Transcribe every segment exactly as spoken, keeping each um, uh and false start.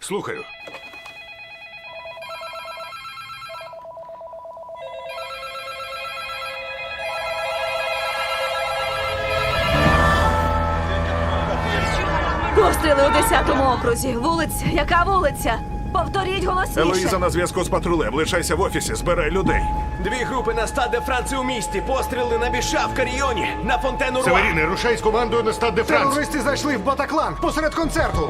Слухаю. Постріли у десятому окрузі. Вулиця. Яка вулиця? Повторіть голосніше. Елоїза на зв'язку з патрулем. Лишайся в офісі, збирай людей. Дві групи на Стад де Франції у місті. Постріли на Біша в Каріоні, на Фонтену Руа. Северіни, рушай з командою на Стад де Франс. Терористи зайшли в Батаклан посеред концерту.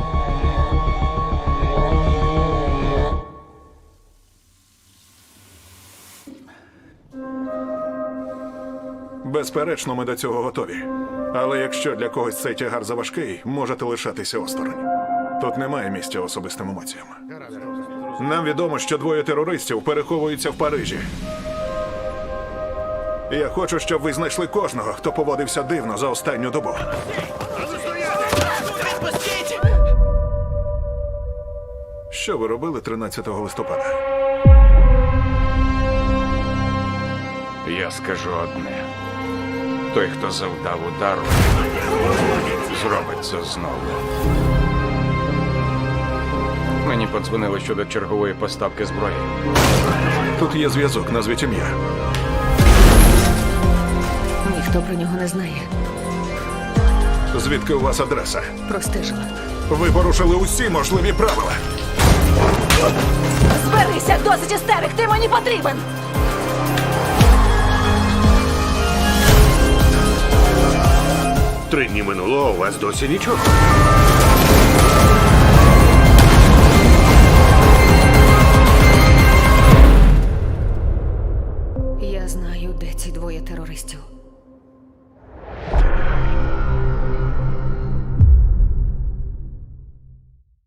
Безперечно, ми до цього готові. Але якщо для когось цей тягар заважкий, можете лишатися осторонь. Тут немає місця особистим емоціям. Нам відомо, що двоє терористів переховуються в Парижі. Я хочу, щоб ви знайшли кожного, хто поводився дивно за останню добу. Що ви робили тринадцятого листопада? Я скажу одне. Той, хто завдав удару, зробить це знову. Мені подзвонили щодо чергової поставки зброї. Тут є зв'язок, назвіть ім'я. Ніхто про нього не знає. Звідки у вас адреса? Простежила. Ви порушили усі можливі правила. Зберися, досить істерик, ти мені потрібен! Три дні минуло, а у вас досі нічого.